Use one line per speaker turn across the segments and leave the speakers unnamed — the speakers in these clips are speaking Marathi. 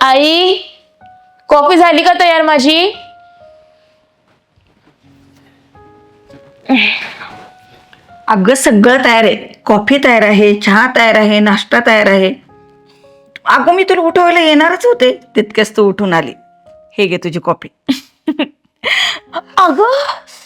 आई, कॉफी झाली का तयार माझी?
अगं सगळं तयार आहे. कॉफी तयार आहे, चहा तयार आहे, नाश्ता तयार आहे. अगं मी तुला उठवायला येणारच होते, तितक्याच तू उठून आली. हे घे तुझी कॉफी. अगं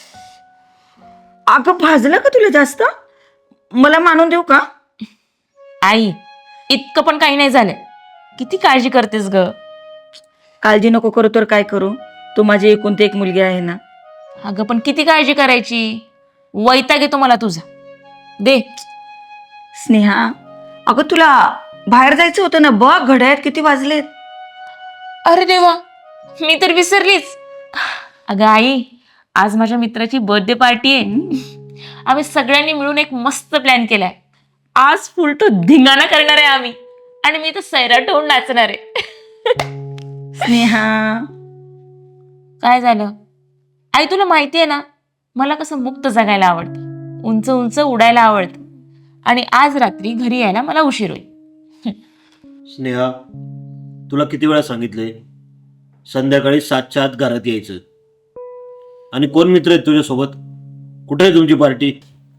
अगं भाजलं का तुला जास्त? मला मानून देऊ का?
आई, इतकं पण काही नाही झालं. किती काळजी करतेस ग?
काळजी नको करू तर काय करू? तू माझी एकुलती एक मुलगी आहे ना.
अगं पण किती काळजी करायची? वैताग येतो मला तुझा. दे.
स्नेहा, अगं तुला बाहेर जायचं होतं ना. बघ घड्याळात किती वाजलेत.
अरे देवा, मी तर विसरलीच. अगं आई, आज माझ्या मित्राची बर्थडे पार्टी आहे. आम्ही सगळ्यांनी मिळून एक मस्त प्लॅन केलाय. आज फुल टू धिंगाणा करणार आहे आम्ही. आणि मी तर सैराट होऊन नाचणार आहे.
स्नेहा,
काय झालं? आई तुला माहिती आहे ना, मला कसं मुक्त जगायला आवडतं, उंच उंच उडायला आवडतं. आणि आज रात्री घरी यायला मला उशीर होईल.
स्नेहा, तुला किती वेळा सांगितलंय संध्याकाळी 7च्या आत घरात यायचं. आणि कोण मित्र आहेत तुझ्यासोबत? कुठे आहे तुमची पार्टी?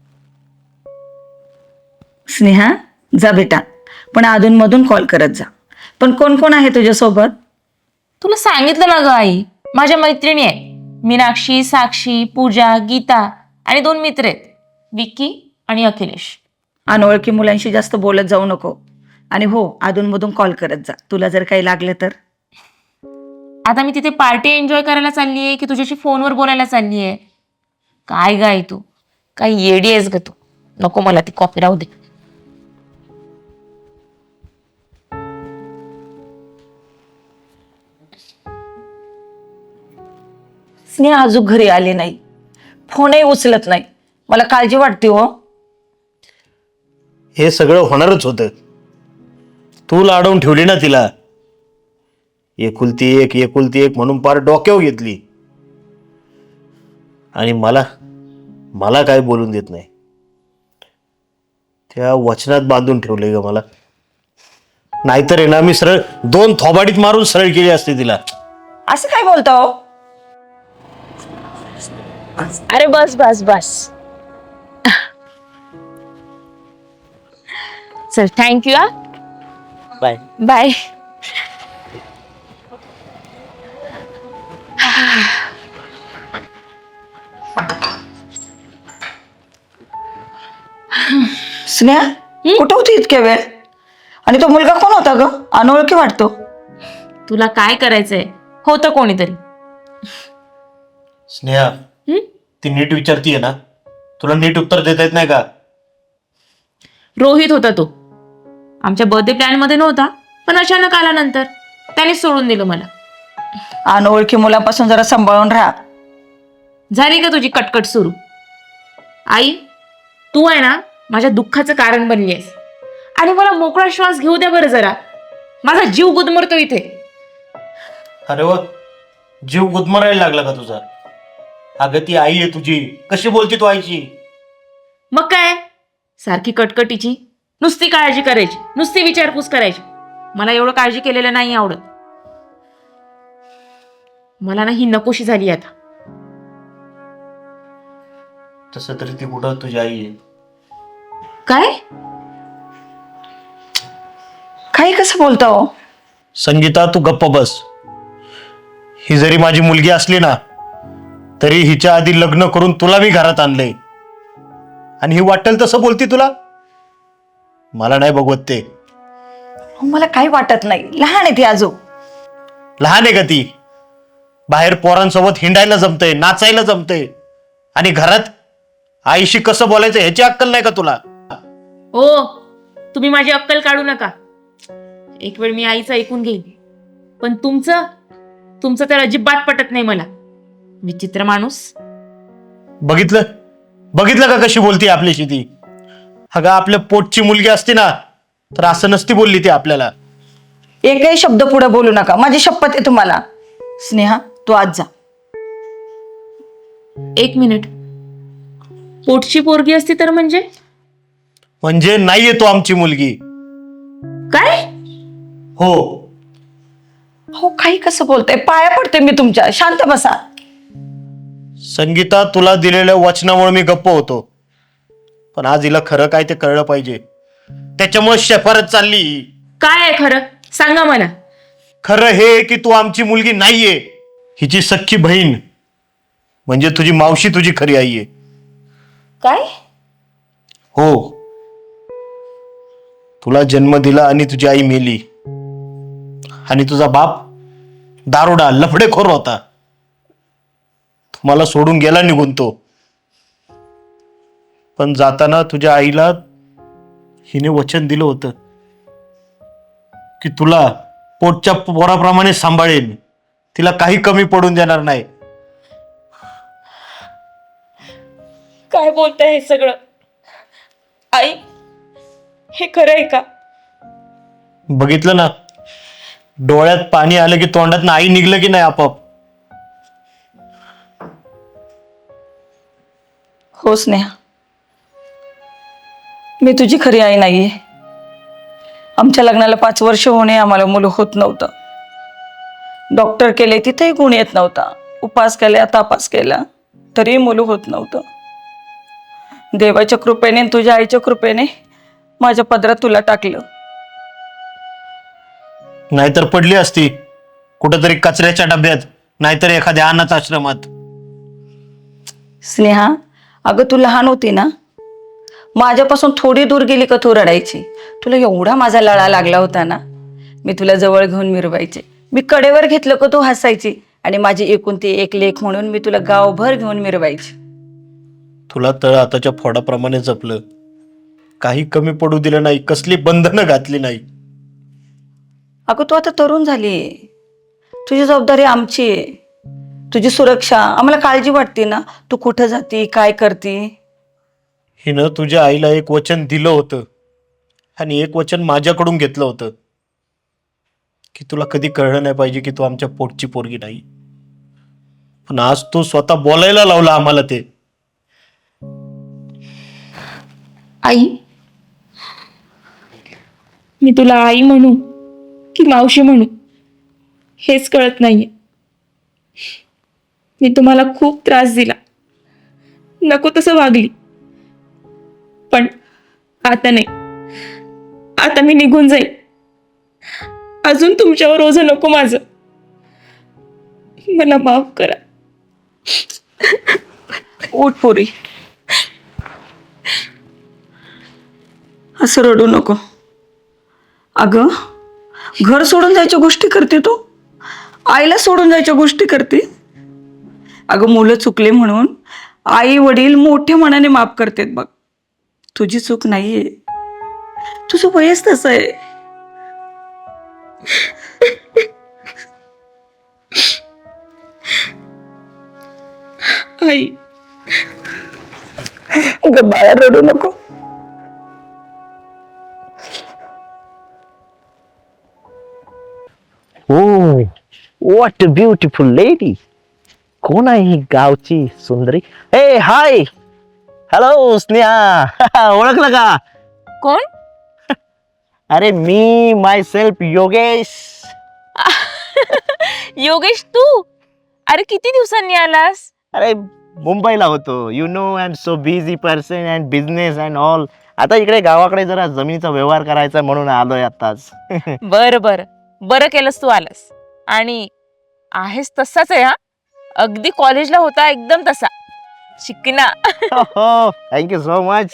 स्नेहा जा बेटा, पण अधूनमधून कॉल करत जा. पण कोण कोण आहे तुझ्यासोबत?
तुला सांगितलं ना ग आई, माझ्या मैत्रिणी आहे. मीनाक्षी, साक्षी, पूजा, गीता आणि 2 मित्र आहेत, विक्की आणि अखिलेश.
अनोळखी मुलांशी जास्त बोलत जाऊ नको. आणि हो, अधूनमधून कॉल करत जा, तुला जर काही लागलं तर.
आता मी तिथे पार्टी एन्जॉय करायला चालली आहे की तुझ्याशी फोनवर बोलायला चालली आहे? काय ग आई, तू काय येडी आहेस ग तू? नको, मला ती कॉफी राहू दे.
स्नेहा अजून घरी आली नाही, फोनही उचलत नाही. मला काळजी वाटते हो.
हे सगळं होणारच होतं. तू लाडवून ठेवली ना तिला. एकुलती एक म्हणून पार डोक्यावर घेतली. आणि मला काय बोलून देत नाही. त्या वचनात बांधून ठेवले ग मला. नाहीतर आहे ना, मी सरळ 2 थोबाडीत मारून सरळ केली असते तिला.
असं काय बोलता हो?
अरे बस बस बस. चल, थँक्यू.
बाय.
बाय.
स्नेहा कुठं होती इतक्या वेळ? आणि तो मुलगा कोण होता ग? अनोळखी वाटतो.
तुला काय करायचंय? होतं कोणीतरी.
स्नेहा, ती नीट विचारतीये ना? तुला नीट उत्तर देता येत नाही का?
रोहित होता तो. आमच्या बर्थडे प्लॅन मध्ये नव्हता, पण अचानक आला नंतर. त्याने सोडून दिलं मला.
अनोळखी मुलापासून जरा सांभाळून राहा.
झाली का तुझी कटकट सुरू? आई, तू आहे ना माझ्या दुःखाचं कारण बनली आहेस. आणि मला मोकळा श्वास घेऊ द्या बरं जरा. माझा जीव गुदमरतो इथे.
अरे वा, जीव गुदमरायला लागला का तुझा? अगं ती आई आहे तुझी. कशी बोलती तू आईची?
मग काय, सारखी कटकटीची, नुसती काळजी करायची, नुसती विचारपूस करायची. मला एवढं काळजी केलेलं नाही आवडत. मला ना ही नकोशी झाली आता.
तसं तरी ती कुठं तुझी आई आहे?
काय?
काही कसं बोलता हो?
संगीता, तू गप्प बस. ही जरी माझी मुलगी असली ना, तरी हिच्या आधी लग्न करून तुला मी घरात आणलंय. आणि ही वाटेल तसं बोलती तुला? मला नाही बघवत ते.
मला काही वाटत नाही, लहान आहे ती अजून.
लहान आहे का ती? बाहेर पोरांसोबत हिंडायला जमतंय, नाचायला जमतंय. आणि घरात आईशी कसं बोलायचं ह्याची अक्कल नाही का तुला?
ओ, तुम्ही माझी अक्कल काढू नका. एक वेळ मी आईचं ऐकून घेईन, पण तुमचं तर अजिबात पटत नाही मला. विचित्र माणूस.
बघितलं का कशी बोलती आपल्याशी ती? अगं आपल्या पोटची मुलगी असती ना, तर असं नसती बोलली ती आपल्याला.
एकही शब्द पुढे बोलू नका, माझी शपथ आहे तुम्हाला. स्नेहा तू आज जा.
1 मिनिट. पोटची पोरगी असती तर
म्हणजे नाहीये तो आमची मुलगी.
काय?
हो,
हो काही कसं बोलताय, पाया पडते मी तुमच्या, शांत बसा.
संगीता, तुला दिलेल्या वचनामुळे मी गप्प होतो, पण आज हिला खरं काय ते कळलं पाहिजे. त्याच्यामुळे शेफारत चालली.
काय आहे खरं सांगा मला.
खरं हे की तू आमची मुलगी नाहीये, हिची सख्खी बहीण, म्हणजे तुझी मावशी तुझी खरी आई आहे.
काय?
हो, तुला जन्म दिला आणि तुझी आई मेली, आणि तुझा बाप दारुडा लफडेखोर होता. तुम्हाला सोडून गेला निघून तो. पण जाताना तुझ्या आईला हिने वचन दिलं होतं की तुला पोटच्या पोराप्रमाणे सांभाळेन, तिला काही कमी पडून देणार नाही.
काय बोलताय हे सगळं? आई, हे खरं आहे का?
बघितलं ना, डोळ्यात पाणी आलं की तोंडात आई निघलं की नाही आपोआप.
हो स्नेहा, मी तुझी खरी आई नाहीये. आमच्या लग्नाला 5 वर्ष होणे आम्हाला मुलं होत नव्हतं. डॉक्टर केले तिथेही गुण येत नव्हता. उपास केल्या, तापास केला, तरी मुलं होत नव्हतं. देवाच्या कृपेने, तुझ्या आईच्या कृपेने माझ्या पदरात तुला टाकलं.
नाहीतर पडली असती कुठंतरी कचऱ्याच्या डब्यात, नाहीतर एखाद्या अनाथ आश्रमात.
स्नेहा, अगं तू लहान होती ना, माझ्यापासून थोडी दूर गेली का तू रडायची. तुला एवढा माझा लळा लागला होता ना, मी तुला जवळ घेऊन मिरवायचे. मी कडेवर घेतलं का तू हसायची, आणि माझी एकुलती एक लेक म्हणून मी तुला गावभर घेऊन मिरवायची.
तुला तळ हाताच्या फोडाप्रमाणे जपलं, काही कमी पडू दिलं नाही, कसली बंधनं घातली नाही.
अगं तू आता तरुण झालीये, तुझी जबाबदारी आमची आहे. तुझी सुरक्षा आम्हाला काळजी वाटते ना. तू कुठं जाती, काय करते.
हिनं तुझ्या आईला एक वचन दिलं होतं, आणि एक वचन माझ्याकडून घेतलं होतं की तुला कधी कळलं नाही पाहिजे की तू आमच्या पोटची पोरगी नाही. पण आज तू स्वतः बोलायला लावला आम्हाला ते.
आई, मी तुला आई म्हणू की मावशी म्हणू हेच कळत नाहीये. मी तुम्हाला खूप त्रास दिला, नको तसं वागली, पण आता नाही. आता मी निघून जाईल. अजून तुमच्यावर ओझं नको माझं. मला माफ करा.
उठ पोरी, असं रडू नको. अगं घर सोडून जायच्या गोष्टी करते तू, आईला सोडून जायच्या गोष्टी करते. अगं मुलं चुकले म्हणून आई वडील मोठ्या मनाने माफ करतात बघ. तुझी चूक नाहीये, तुझं वयच तसं आहे.
आई,
अगं बाळा रडू नको.
Oh what a beautiful lady. कोण आहे ही गावची सुंदरी? ए हाय, हॅलो स्नेहा, ओळखलं का?
कोण?
अरे मी माय सेल्फ योगेश.
योगेश, तू? अरे किती दिवसांनी आलास?
अरे मुंबईला होतो, you know I am so busy person and business and all. आता इकडे गावाकडे जरा जमिनीचा व्यवहार करायचा म्हणून आलोय आताच.
बरं बरं बरं केलंस तू आलास. आणि आहेस तसाच आहे हा, अगदी कॉलेजला होता एकदम तसा शिकना.
हो, thank you so much.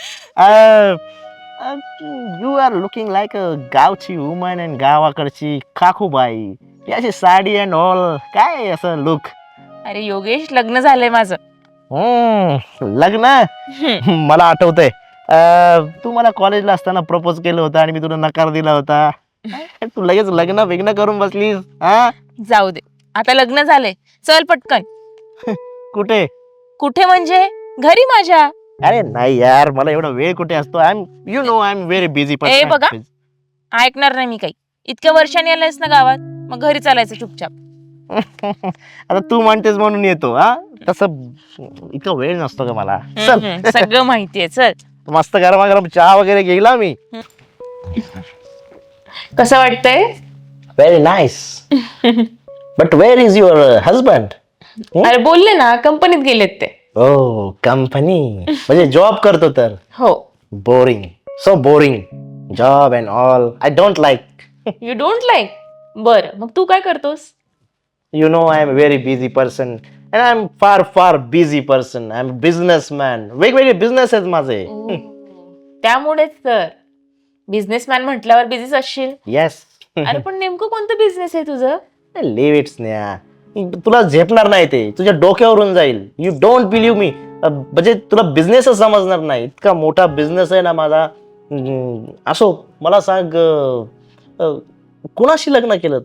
You are looking like a गावची वुमन अँड गावाकडची काकूबाई. याची साडी अँड ऑल, काय असं लुक.
अरे योगेश, लग्न झालंय माझं.
लग्न? मला आठवतंय, तू मला कॉलेजला असताना प्रपोज केलं होतं आणि मी तुला नकार दिला होता. तू लगेच लग्न बिग्न करून बसलीस. हा,
जाऊ दे, आता लग्न झालंय. चल पटकन.
कुठे?
कुठे म्हणजे? घरी माझ्या.
अरे नाही यार, मला एवढा वेळ कुठे असतो. I am you know I am very busy
ए बघा, ऐकणार नाही मी काही. इतक्या वर्षांनी आलायस ना गावात, मग घरी चालायचं चुपचाप.
आता तू म्हणतेस म्हणून येतो. हा, तसं इतका वेळ नसतो का मला. चल,
सगळं माहितीये. चल.
मस्त गरमागरम चहा वगैरे घेईला मी.
कसं वाटतंय?
Very nice. But where is your husband?
अरे बोलले ना, कंपनीत गेलेत ते.
ओ कंपनी, म्हणजे जॉब करतो तर.
हो.
Boring, so boring job and all. I don't like.
You don't like? बर, मग तू काय करतोस?
You know, I am a very busy person and I am far busy person. I am a businessman. वेगवेगळे बिझनेस आहेत माझे.
त्यामुळेच तर बिझनेसमॅन म्हटल्यावर बिझीच असशील.
येस.
अरे पण नेमकं कोणतं बिझनेस आहे तुझं?
लिव्ह इट्स न्या. तुला झेपणार नाही ते, तुझ्या डोक्यावरून जाईल. You don't believe me. म्हणजे तुला बिझनेसच समजणार नाही. इतका मोठा बिझनेस आहे ना माझा. असो, मला सांग, कुणाशी लग्न केलं?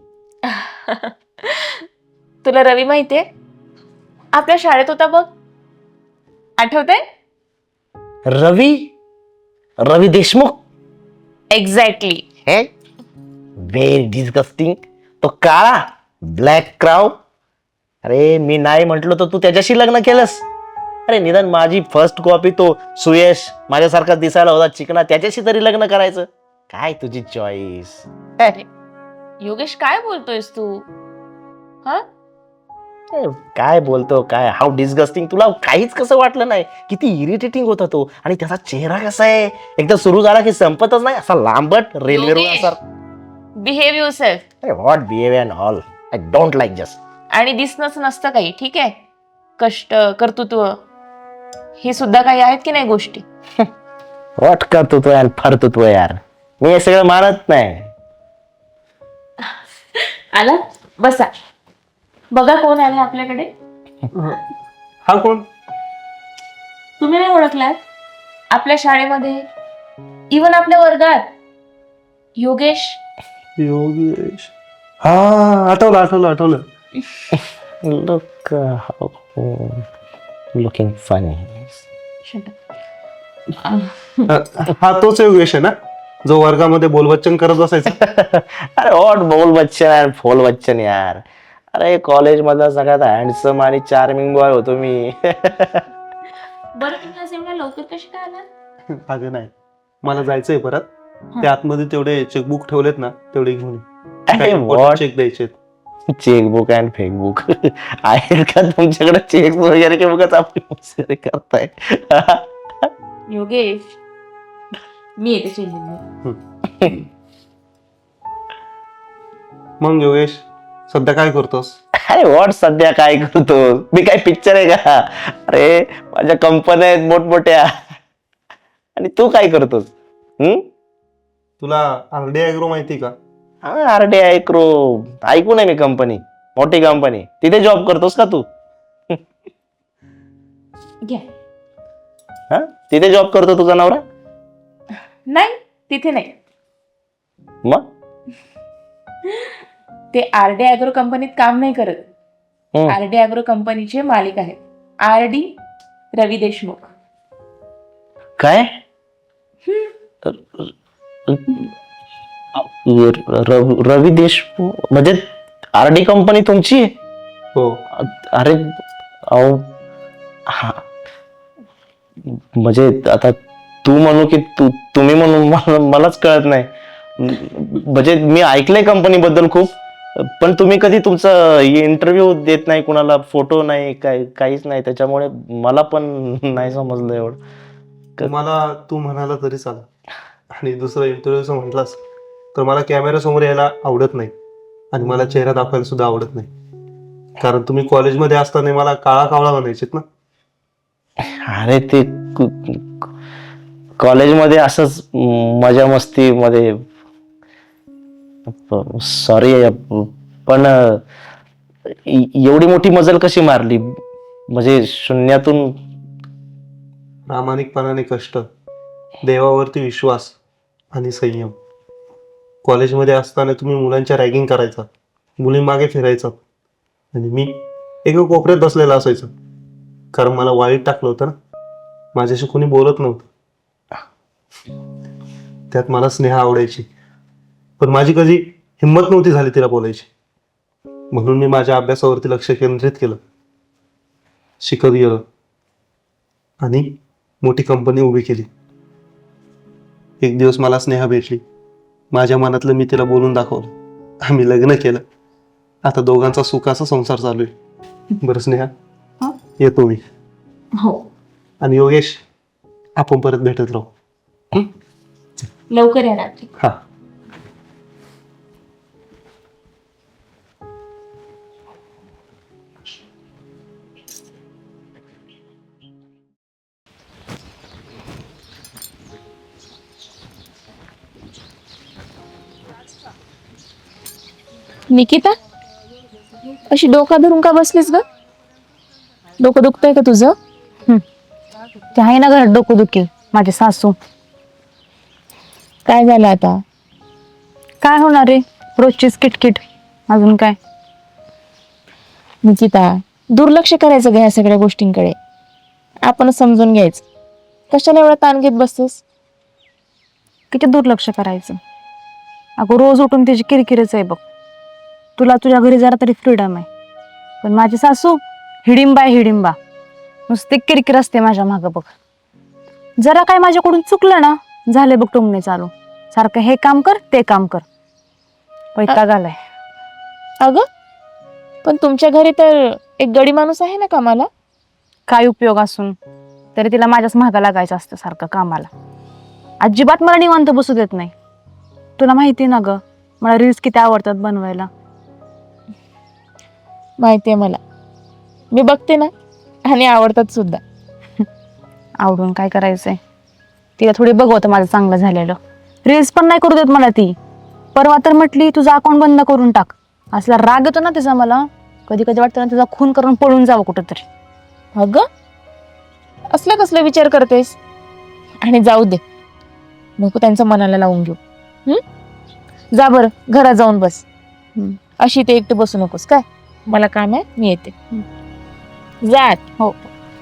तुला रवी माहितीये? आपल्या शाळेत होता बघ, आठवतंय?
रवी? रवी देशमुख?
एक्झॅक्टली.
हे व्हेरी डिस्गस्टिंग. तो काळा ब्लॅक क्राऊ. अरे मी नाही म्हंटलो तर तू त्याच्याशी लग्न केलंस? अरे निदान माझी फर्स्ट कॉपी तो सुयश माझ्यासारखा दिसायला होता चिकना, त्याच्याशी तरी लग्न करायचं. काय तुझी चॉईस?
योगेश काय बोलतोयस तू? हा?
काय बोलतो काय? How disgusting. तुला काहीच कसं वाटलं नाही? किती इरिटेटिंग होता तो. आणि त्याचा चेहरा कसा आहे, एकदा सुरू झाला की संपतच नाही, असा लांबट रेल्वे रोड असा.
Behave yourself.
अरे what behaviour and all. I don't like just.
आणि दिसणंच नसतं काही, ठीक आहे? कष्ट, कर्तृत्व हे सुद्धा काही आहेत की नाही गोष्टी?
व्हॉट कर्तृत्व आणि फर्तृत्व यार, मी हे सगळं मानत नाही.
आला, बसा. बघा कोण आले आपल्याकडे.
हा कोण?
तुम्ही नाही ओळखलात? आपल्या शाळेमध्ये, इवन आपल्या वर्गात योगेश.
योगेश. हा, आठवलं.
Look looking funny.
हा तोच योगेश आहे ना, जो वर्गामध्ये बोलबच्चन करत बसायचा?
अरे व्हॉट बोल बच्चन यार, फोल बच्चन यार. अरे कॉलेज मधला सगळ्यात हँडसम आणि चार्मिंग बॉय होतो मी.
बरं, तुम्ही असं एवढ्या लवकर कशी काय आला?
अगं नाही, मला जायचंय परत. ते आतमध्ये तेवढे चेकबुक ठेवलेत ना, तेवढे घेऊन
अरे what?
चेक द्यायचे.
चेकबुक अँड फेकबुक आहेत का तुमच्याकडे? चेक वगैरे की बघत आपण मस्करी करताय.
योगेश, मी येते चेंजिंग.
मग योगेश, सध्या काय करतोस?
अरे व्हॉट सध्या काय करतो मी? काय पिक्चर आहे का? अरे माझ्या कंपन्या आहेत मोठमोठ्या. आणि तू काय करतोस?
तुला आरडी ॲग्रो माहिती का?
हा, आरडी ॲग्रो ऐकून आहे मी. कंपनी, मोठी कंपनी. तिथे जॉब करतोस का तू?
घ्या.
हा, तिथे जॉब करतो तुझा नवरा?
नाही, तिथे नाही.
मग
ते आरडी ॲग्रो कंपनीत काम नाही करत.
हम्म.
आरडी ॲग्रो कंपनीचे मालिक आहेत आरडी रवी देशमुख.
काय? रवी देशमुख म्हणजे आरडी कंपनी तुमची?
हो.
अरे अहो, हा, म्हणजे आता तू म्हणू की तुम्ही म्हणू मलाच कळत नाही. म्हणजे मी ऐकलंय कंपनी बद्दल खूप, पण तुम्ही कधी तुमचा इंटरव्ह्यू देत नाही, कुणाला फोटो नाही, काहीच नाही, त्याच्यामुळे मला पण नाही समजलं एवढं.
मला तू म्हणाला तरी चालेल. आणि दुसरं इंटरव्ह्यूचं म्हटलास तर मला कॅमेऱ्यासमोर यायला आवडत नाही, आणि मला चेहरा दाखवायला सुद्धा आवडत नाही. कारण तुम्ही कॉलेजमध्ये असताना मला काळा कावळा म्हणायचेत ना.
अरे ते कॉलेजमध्ये असंच मजा मस्ती मध्ये. सॉरी, पण एवढी मोठी मजल कशी मारली? म्हणजे शून्यातून.
प्रामाणिकपणाने कष्ट, देवावरती विश्वास आणि संयम. कॉलेजमध्ये असताना तुम्ही मुलांच्या रॅगिंग करायचा, मुलींमागे फिरायचा, आणि मी एका कोपऱ्यात बसलेला असायचं. कारण मला वाईट टाकलं होतं ना, माझ्याशी कोणी बोलत नव्हतं. त्यात मला स्नेहा आवडायची, पण माझी कधी हिंमत नव्हती झाली तिला बोलायची. म्हणून मी माझ्या अभ्यासावरती लक्ष केंद्रित केलं, शिकत गेलो, आणि मोठी कंपनी उभी केली. एक दिवस मला स्नेहा भेटली. माझ्या मनातलं मी तिला बोलून दाखवलं. आम्ही लग्न केलं,
आता दोघांचा सुखाचा संसार चालू आहे. बरं स्नेहा, येतो मी.
हो,
आणि योगेश, आपण परत भेटत राहू.
लवकर या रात्री.
हा.
निकिता, अशी डोका धरून का बसलीस ग? डोकं दुखतंय का तुझं?
ते आहे ना घरात डोकं दुखी माझे सासू.
काय झालं आता?
काय होणार रे, रोजचीच किटकिट. अजून काय?
निकिता, दुर्लक्ष करायचं ग ह्या सगळ्या गोष्टींकडे. आपण समजून घ्यायचं. कशाला एवढा ताण घेत बसतेस?
किती दुर्लक्ष करायचं. अगं रोज उठून त्याची किरकिरच आहे बघ. तुला तुझ्या घरी जरा तरी फ्रीडम आहे, पण माझी सासू हिडिंबा आहे हिडिंबा. नुसते किरकिर असते माझ्या मागं बघ. जरा काय माझ्याकडून चुकलं ना, झाले बघ टुमणे चालू. सारखं हे काम कर ते काम कर. वैताग आलाय.
अगं, पण तुमच्या घरी तर एक गडी माणूस आहे ना कामाला.
काय उपयोग असून तरी तिला माझ्याच महागा लागायचं असतं सारखं कामाला. अजिबात मला निवांत बसू देत नाही. तुला माहिती ना ग, मला रील्स किती आवडतात बनवायला.
माहितीये मला, मी बघते ना, आणि आवडतात सुद्धा.
आवडून काय करायचंय, तिला थोडी बघवतं माझं चांगलं झालेलं. रील्स पण नाही करू देत मला ती. परवा तर म्हटली तुझा अकाउंट बंद करून टाक. असला राग येतो ना तिचा मला. कधी कधी वाटतं ना तिचा खून करून पळून जावं कुठंतरी.
अगं, असला कसला विचार करतेस? आणि जाऊ दे, नको त्यांचं मनाला लावून घेऊ. जा बरं घरात जाऊन बस. अशी ते एकटे बसू नकोस काय. मला काम आहे, मी येते. जात.
हो.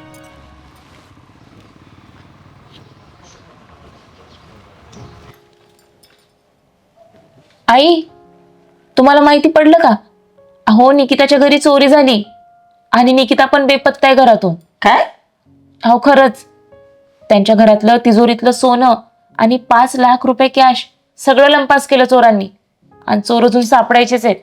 आई, तुम्हाला माहिती पडलं का? अहो, निकिताच्या घरी चोरी झाली आणि निकिता पण बेपत्ता आहे घरातून.
काय?
अहो खरंच, त्यांच्या घरातलं तिजोरीतलं सोनं आणि 5 लाख रुपये कॅश सगळं लंपास केलं चोरांनी. आणि चोर अजून सापडायचेच आहेत.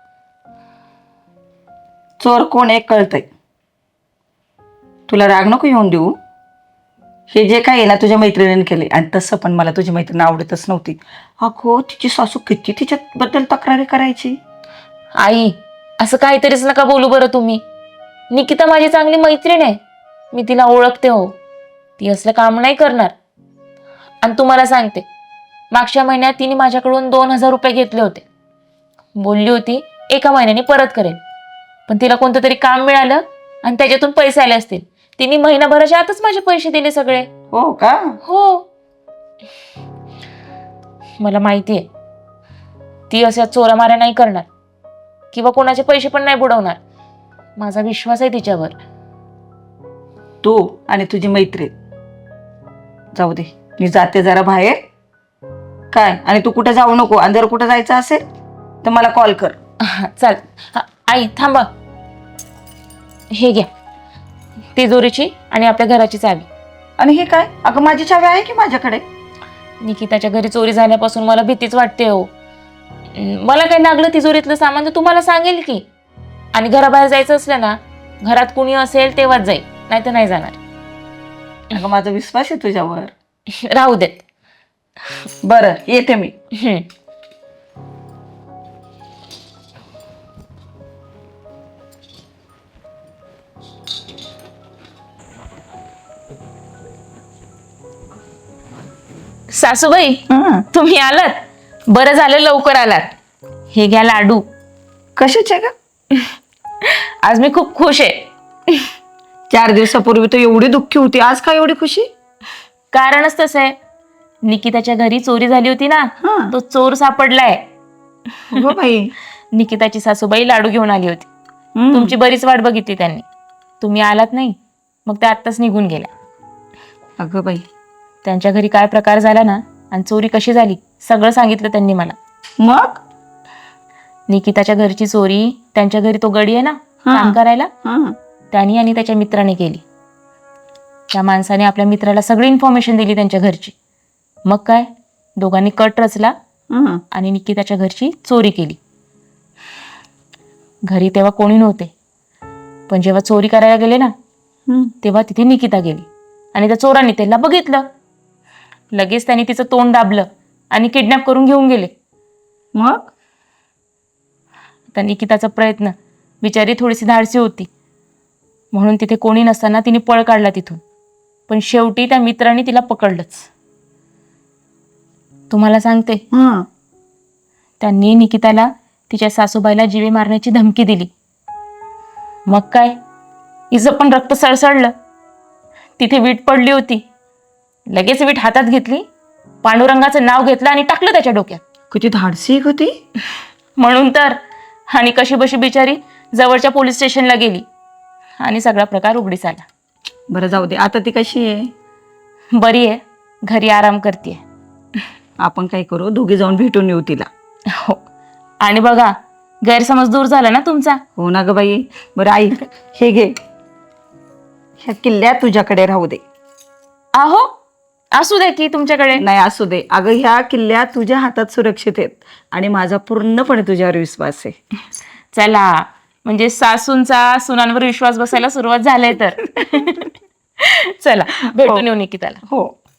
चोर कोण एक कळतंय. तुला राग नको येऊन देऊ. हे जे काय आहे ना तुझ्या मैत्रिणीने केले, आणि तसं पण मला तुझी मैत्रीण आवडतच नव्हती. अगो, तिची सासू किती तिच्याबद्दल तक्रारी करायची.
आई, असं काहीतरीच नका बोलू बरं तुम्ही. निकिता माझी चांगली मैत्रीण आहे. मी तिला ओळखते हो. ती असलं काम नाही करणार. आणि तुम्हाला सांगते, मागच्या महिन्यात तिने माझ्याकडून 2,000 रुपये घेतले होते. बोलली होती 1 महिन्याने परत करेल. पण तिला कोणतं तरी काम मिळालं आणि त्याच्यातून पैसे आले असतील. तिने महिनाभराच्या आतच माझे पैसे दिले सगळे.
हो का?
हो, मला माहितीये ती अशा चोरामाऱ्या नाही करणार किंवा कोणाचे पैसे पण नाही बुडवणार. माझा विश्वास आहे तिच्यावर.
तू आणि तुझी मैत्रीण जाऊ दे, मी जाते जरा बाहेर. काय, आणि तू कुठे जाऊ नको. आणि जर कुठे जायचं असेल तर मला कॉल कर.
चल. आई थांबा, हे घ्या तिजोरीची आणि आपल्या घराची चावी.
आणि हे काय? अगं माझी चावी आहे की माझ्याकडे.
निकिताच्या घरी चोरी झाल्यापासून मला भीतीच वाटते हो. मला काही लागलं तिजोरीतलं सामान तर तुम्हाला सांगेल की. आणि घराबाहेर जायचं असलं ना, घरात कुणी असेल तेव्हाच जाईल, नाही तर नाही जाणार.
अगं माझा विश्वास आहे तुझ्यावर.
राहू देत.
बरं, येते मी.
सासूबाई, तुम्ही आलात. बरं झालं लवकर आलात. हे घ्या लाडू.
कशाचे का?
आज मी खूप खुश आहे.
4 दिवसापूर्वी तर एवढी दुःखी होती, आज काय एवढी खुशी?
कारणच तसं आहे. निकिताच्या घरी चोरी झाली होती ना, तो चोर सापडलाय.
हो बाई.
निकिताची सासूबाई लाडू घेऊन आली होती. तुमची बरीच वाट बघितली त्यांनी. तुम्ही आलात नाही, मग त्या आत्ताच निघून गेल्या.
अगं बाई.
त्यांच्या घरी काय प्रकार झाला ना, आणि चोरी कशी झाली सगळं सांगितलं त्यांनी मला.
मग
निकिताच्या घरची चोरी त्यांच्या घरी तो गडी आहे ना काम करायला, त्यांनी आणि त्याच्या मित्राने केली. त्या माणसाने आपल्या मित्राला सगळी इन्फॉर्मेशन दिली त्यांच्या घरची. मग काय, दोघांनी कट रचला आणि निकिताच्या घरची चोरी केली. घरी तेव्हा कोणी नव्हते, पण जेव्हा चोरी करायला गेले ना तेव्हा तिथे निकिता गेली आणि त्या चोरांनी त्याला बघितलं. लगेच त्यांनी तिचं तोंड दाबलं आणि किडनॅप करून घेऊन गेले.
मग
आता निकिताचा प्रयत्न, बिचारी थोडीशी धाडसी होती म्हणून तिथे कोणी नसताना तिने पळ काढला तिथून. पण शेवटी त्या मित्रांनी तिला पकडलंच. तुम्हाला सांगते,
हं.
त्यांनी निकिताला तिच्या सासूबाईला जीवे मारण्याची धमकी दिली. मग काय, हिचं पण रक्त सळसळलं. तिथे वीट पडली होती. लगेच वीट हातात घेतली, पांडुरंगाचं नाव घेतलं आणि टाकलं त्याच्या डोक्यात.
किती धाडसी आहे ग ती.
म्हणून तर. आणि कशी बशी बिचारी जवळच्या पोलीस स्टेशनला गेली आणि सगळा प्रकार उघडीस आला.
बरं जाऊ दे, आता ती कशी आहे?
बरी आहे, घरी आराम करते.
आपण काय करू, दोघी जाऊन भेटून येऊ तिला.
हो, आणि बघा गैरसमज दूर झाला ना तुमचा.
हो ना ग बाई. बरं ऐक, हे घे, ह्या किल्ल्या तुझ्याकडे राहू दे.
आहो, असू दे की तुमच्याकडे.
नाही असू दे अगं, ह्या किल्ल्या तुझ्या हातात सुरक्षित आहेत आणि माझा पूर्णपणे तुझ्यावर विश्वास आहे.
चला, म्हणजे सासूंचा सुनांवर विश्वास बसायला सुरुवात झालाय तर. चला भेटून येऊ निकिताला.
हो.